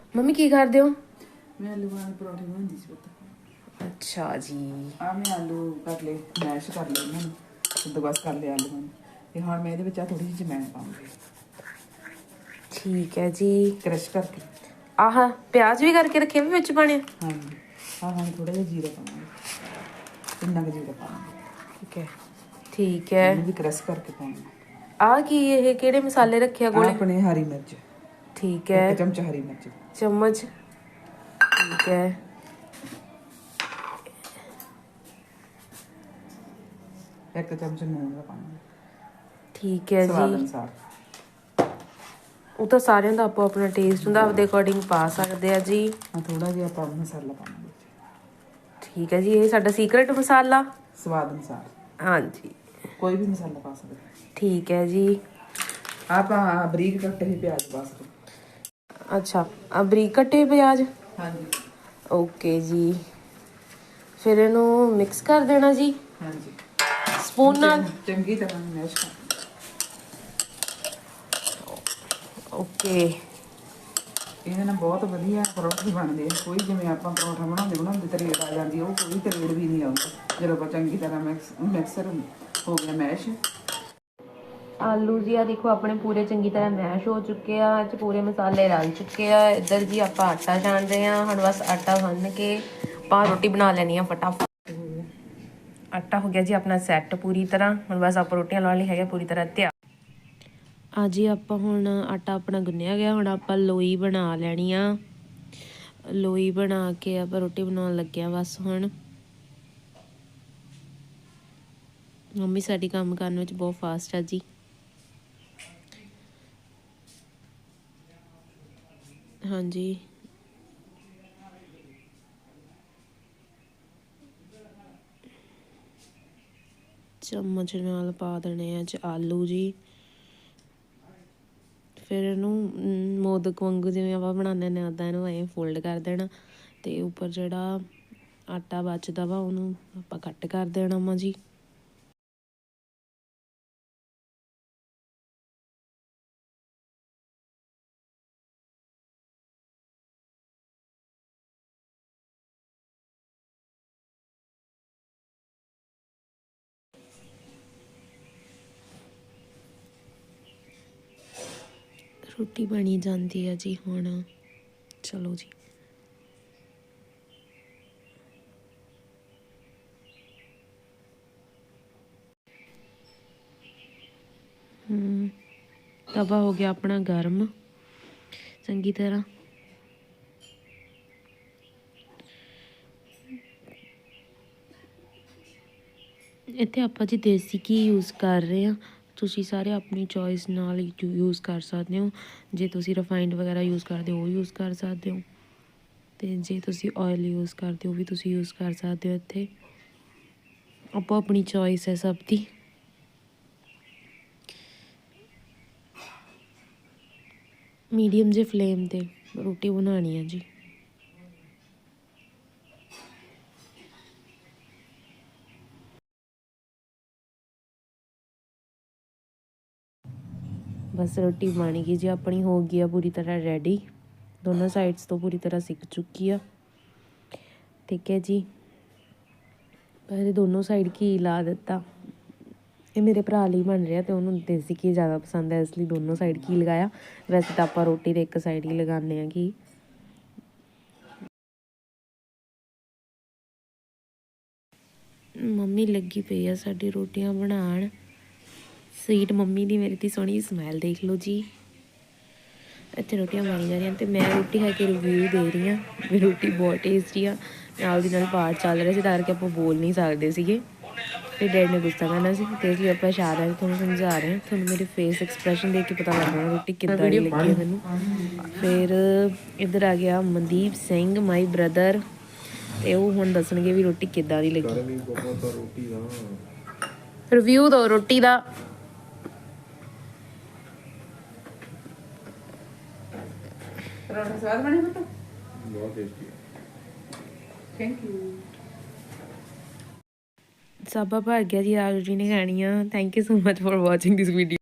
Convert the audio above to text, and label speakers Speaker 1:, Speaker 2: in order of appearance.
Speaker 1: Mummy ਕੀ ਕਰਦੇ ਹੋ?
Speaker 2: मैं आलू वाले पराठे बनाती सी पुत्त।
Speaker 1: अच्छा जी।
Speaker 2: मैं आलू कर ले मैश कर ले इन्हां नूं ते बस कर ले आलू ते हुण मैं इहदे विच थोड़ी जी जमैन पाऊंगी
Speaker 1: ठीक है जी।
Speaker 2: क्रश करके।
Speaker 1: आह प्याज भी करके रखे भी विच पाने?
Speaker 2: हाँ जी। हाँ थोड़ा जिहा जीरा पावांगे, इन्ना क जीरा पावांगे।
Speaker 1: ठीक है।
Speaker 2: इहनूं भी क्रश करके पाउंगी।
Speaker 1: आ की ये किहड़े मसाले रखे आ कोले?
Speaker 2: अपने हरी मिर्च।
Speaker 1: ठीक है।
Speaker 2: 1 चमचा हरी मिर्च।
Speaker 1: चम्मच। ठीक है।
Speaker 2: एक चमच नून का पानी।
Speaker 1: ठीक है
Speaker 2: स्वाद
Speaker 1: जी।
Speaker 2: अनुसार।
Speaker 1: ਉਹ ਤਾਂ ਸਾਰਿਆਂ ਦਾ ਆਪੋ ਆਪਣਾ ਟੇਸਟ ਹੁੰਦਾ, ਆਪਦੇ ਅਕੋਰਡਿੰਗ ਪਾ ਸਕਦੇ ਆ ਜੀ।
Speaker 2: ਥੋੜਾ ਜਿਹਾ ਆਪਾਂ ਮਸਾਲਾ ਪਾਵਾਂਗੇ।
Speaker 1: ਠੀਕ ਹੈ ਜੀ। ਇਹ ਸਾਡਾ ਸੀਕਰਟ ਮਸਾਲਾ
Speaker 2: ਸਵਾਦ ਅਨੁਸਾਰ।
Speaker 1: ਹਾਂਜੀ,
Speaker 2: ਕੋਈ ਵੀ ਮਸਾਲਾ ਪਾ ਸਕਦੇ।
Speaker 1: ਠੀਕ ਹੈ ਜੀ।
Speaker 2: ਆਪਾਂ ਬਰੀਕ ਕੱਟੇ ਹੋਏ ਪਿਆਜ਼ ਪਾ ਸਕਦੇ।
Speaker 1: ਅੱਛਾ, ਆ ਬਰੀਕ ਕੱਟੇ ਪਿਆਜ਼।
Speaker 2: ਹਾਂਜੀ।
Speaker 1: ਓਕੇ ਜੀ। ਫਿਰ ਇਹਨੂੰ ਮਿਕਸ ਕਰ ਦੇਣਾ ਜੀ।
Speaker 2: ਹਾਂਜੀ।
Speaker 1: ਸਪੂਨ ਨਾਲ
Speaker 2: ਚੰਗੀ ਤਰ੍ਹਾਂ ਮੈਸ਼ ਕਰ।
Speaker 1: ਓਕੇ।
Speaker 2: ਇਹਦੇ ਨਾਲ ਬਹੁਤ ਵਧੀਆ ਪਰੌਂਠੇ ਬਣਦੇ ਆ। ਕੋਈ ਜਿਵੇਂ ਆਪਾਂ ਪਰੌਂਠਾ ਬਣਾਉਂਦੇ ਤਰੇੜ ਆ ਜਾਂਦੀ, ਉਹ ਕੋਈ ਤਰੇੜ ਵੀ ਨਹੀਂ ਆਉਂਦੀ ਜਦੋਂ ਆਪਾਂ ਚੰਗੀ ਤਰ੍ਹਾਂ ਮਿਕਸਰ ਹੋ ਗਿਆ ਮੈਸ਼।
Speaker 1: ਆਲੂ ਜੀ ਆ ਦੇਖੋ ਆਪਣੇ ਪੂਰੇ ਚੰਗੀ ਤਰ੍ਹਾਂ ਮੈਸ਼ ਹੋ ਚੁੱਕੇ ਆ, ਇਹ 'ਚ ਪੂਰੇ ਮਸਾਲੇ ਰਲ ਚੁੱਕੇ ਆ। ਇੱਧਰ ਜੀ ਆਪਾਂ ਆਟਾ ਛਾਣ ਰਹੇ ਆ। ਹੁਣ ਬਸ ਆਟਾ ਗੁੰਨ ਕੇ ਆਪਾਂ ਰੋਟੀ ਬਣਾ ਲੈਣੀ ਆ ਫਟਾਫਟ। ਆਟਾ ਹੋ ਗਿਆ ਜੀ ਆਪਣਾ ਸੈੱਟ ਪੂਰੀ ਤਰ੍ਹਾਂ। ਹੁਣ ਬਸ ਆਪਾਂ ਰੋਟੀਆਂ ਲਾਉਣ ਲਈ ਹੈਗਾ ਪੂਰੀ ਤਰ੍ਹਾਂ ਤਿਆਰ। ਆ ਜੀ ਆਪਾਂ ਹੁਣ ਆਟਾ ਆਪਣਾ ਗੁੰਨਿਆ ਗਿਆ। ਹੁਣ ਆਪਾਂ ਲੋਈ ਬਣਾ ਲੈਣੀ ਆ। ਲੋਈ ਬਣਾ ਕੇ ਆਪਾਂ ਰੋਟੀ ਬਣਾਉਣ ਲੱਗੇ ਆ ਬਸ ਹੁਣ। ਮੰਮੀ ਸਾਡੀ ਕੰਮ ਕਰਨ ਵਿੱਚ ਬਹੁਤ ਫਾਸਟ ਆ ਜੀ। ਹਾਂਜੀ, ਚਮਚ ਨਾਲ ਪਾ ਦੇਣੇ ਆ ਆਲੂ ਜੀ। ਫਿਰ ਇਹਨੂੰ ਮੋਦਕ ਵਾਂਗੂ ਜਿਵੇਂ ਆਪਾਂ ਬਣਾਉਂਦੇ ਨੇ ਉੱਦਾਂ ਇਹਨੂੰ ਐਂ ਫੋਲਡ ਕਰ ਦੇਣਾ ਅਤੇ ਉੱਪਰ ਜਿਹੜਾ ਆਟਾ ਬਚਦਾ ਵਾ ਉਹਨੂੰ ਆਪਾਂ ਕੱਟ ਕਰ ਦੇਣਾ ਵਾ ਜੀ। ਰੋਟੀ ਬਣੀ ਜਾਂਦੀ ਆ ਜੀ ਹੁਣ। ਚਲੋ ਜੀ। ਤਵਾ ਹੋ ਗਿਆ ਆਪਣਾ ਗਰਮ ਚੰਗੀ ਤਰ੍ਹਾਂ। ਇੱਥੇ ਆਪਾਂ ਜੀ ਦੇਸੀ ਘੀ ਯੂਜ਼ ਕਰ ਰਹੇ ਹਾਂ। ਤੁਸੀਂ ਸਾਰੇ ਆਪਣੀ ਚੋਇਸ ਨਾਲ ਯੂਜ਼ ਕਰ ਸਕਦੇ ਹੋ। ਜੇ ਤੁਸੀਂ ਰਿਫਾਈਨਡ ਵਗੈਰਾ ਯੂਜ਼ ਕਰਦੇ ਹੋ ਉਹ ਯੂਜ਼ ਕਰ ਸਕਦੇ ਹੋ, ਅਤੇ ਜੇ ਤੁਸੀਂ ਆਇਲ ਯੂਜ਼ ਕਰਦੇ ਹੋ ਉਹ ਵੀ ਤੁਸੀਂ ਯੂਜ਼ ਕਰ ਸਕਦੇ ਹੋ। ਇੱਥੇ ਆਪੋ ਆਪਣੀ ਚੋਇਸ ਹੈ ਸਭ ਦੀ। ਮੀਡੀਅਮ ਜਿਹੇ ਫਲੇਮ 'ਤੇ ਰੋਟੀ ਬਣਾਉਣੀ ਹੈ ਜੀ। ਬਸ ਰੋਟੀ ਬਣ ਗਈ ਜੀ ਆਪਣੀ, ਹੋ ਗਈ ਆ ਪੂਰੀ ਤਰ੍ਹਾਂ ਰੈਡੀ। ਦੋਨੋਂ ਸਾਈਡਸ ਤੋਂ ਪੂਰੀ ਤਰ੍ਹਾਂ ਸਿੱਕ ਚੁੱਕੀ ਆ। ਠੀਕ ਹੈ ਜੀ। ਪਹਿਲੇ ਦੋਨੋਂ ਸਾਈਡ ਘੀ ਲਾ ਦਿੱਤਾ। ਇਹ ਮੇਰੇ ਭਰਾ ਲਈ ਬਣ ਰਿਹਾ ਅਤੇ ਉਹਨੂੰ ਦੇਸੀ ਘੀ ਜ਼ਿਆਦਾ ਪਸੰਦ ਹੈ, ਇਸ ਲਈ ਦੋਨੋਂ ਸਾਈਡ ਘੀ ਲਗਾਇਆ। ਵੈਸੇ ਤਾਂ ਆਪਾਂ ਰੋਟੀ ਦੇ ਇੱਕ ਸਾਈਡ ਹੀ ਲਗਾਉਂਦੇ ਹਾਂ ਘੀ। ਮੰਮੀ ਲੱਗੀ ਪਈ ਆ ਸਾਡੀ ਰੋਟੀਆਂ ਬਣਾਉਣ। ਸਵੀਟ ਮੰਮੀ ਦੀ ਮੇਰੀ ਦੀ ਸੋਹਣੀ ਸਮੈਲ ਦੇਖ ਲਓ ਜੀ। ਇੱਥੇ ਰੋਟੀਆਂ ਬਣ ਜਾ ਰਹੀਆਂ ਅਤੇ ਮੈਂ ਰੋਟੀ ਖਾ ਕੇ ਰਿਵਿਊ ਦੇ ਰਹੀ ਹਾਂ ਵੀ ਰੋਟੀ ਬਹੁਤ ਟੇਸਟੀ ਆ। ਨਾਲ ਦੀ ਨਾਲ ਪਾਠ ਚੱਲ ਰਿਹਾ ਸੀ ਤਾਂ ਕਰਕੇ ਆਪਾਂ ਬੋਲ ਨਹੀਂ ਸਕਦੇ ਸੀਗੇ। ਫਿਰ ਡੈਡੀ ਨੇ ਗੁੱਸਾ ਕਰਨਾ ਸੀ ਅਤੇ ਇਸ ਲਈ ਆਪਾਂ ਇਸ਼ਾਰਿਆਂ ਨਾਲ ਤੁਹਾਨੂੰ ਸਮਝਾ ਰਹੇ ਹਾਂ। ਤੁਹਾਨੂੰ ਮੇਰੇ ਫੇਸ ਐਕਸਪ੍ਰੈਸ਼ਨ ਦੇਖ ਕੇ ਪਤਾ ਲੱਗ ਜਾਣਾ ਰੋਟੀ ਕਿੱਦਾਂ ਦੀ ਲੱਗੀ ਹੈ ਮੈਨੂੰ। ਫਿਰ ਇੱਧਰ ਆ ਗਿਆ ਮਨਦੀਪ ਸਿੰਘ ਮਾਈ ਬ੍ਰਦਰ, ਅਤੇ ਉਹ ਹੁਣ ਦੱਸਣਗੇ ਵੀ ਰੋਟੀ ਕਿੱਦਾਂ ਦੀ ਲੱਗੀ। ਰਿਵਿਊ ਦਿਓ ਰੋਟੀ ਦਾ।
Speaker 2: ਪਰੌਂਠਾ ਸਵਾਦ ਬਣੇ ਪੁੱਤ? ਬਹੁਤ ਟੇਸਟੀ ਹੈ। Thank you.
Speaker 1: ਸਾਬਾ ਭਰ ਗਿਆ ਜੀ। ਆਲੂ ਜੀ ਨੇ ਖਾਣੀ ਆ। Thank you so much for watching this video.